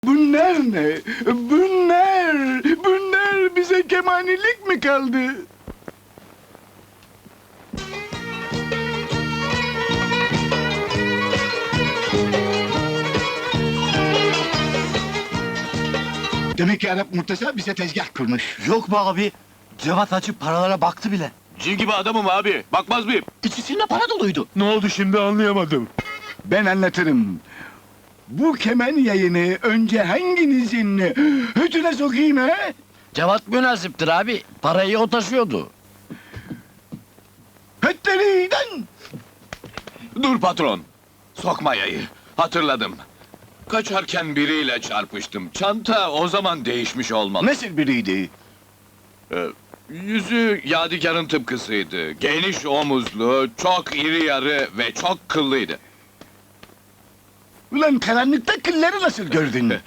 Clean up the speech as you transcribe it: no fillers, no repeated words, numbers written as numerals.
Bunlar ne? Bunlar bize kemanilik mi kaldı? Demek ki Arap Murtaza bize tezgah kurmuş. Yok be abi. Cevat açıp paralara baktı bile. Cin gibi adamım abi. Bakmaz mıyım? İçisinde para doluydu. Ne oldu şimdi anlayamadım. Ben anlatırım. Bu kemen yayını önce hanginizin hütüne sokayım he? Cevat münasiptir abi. Parayı o taşıyordu. Hütleriden! Dur patron. Sokma yayı. Hatırladım. Kaçarken biriyle çarpıştım. Çanta o zaman değişmiş olmalı. Nasıl biriydi? Yüzü Yadigar'ın tıpkısıydı. Geniş omuzlu, çok iri yarı ve çok kıllıydı. Ulan karanlıkta kılları nasıl gördün?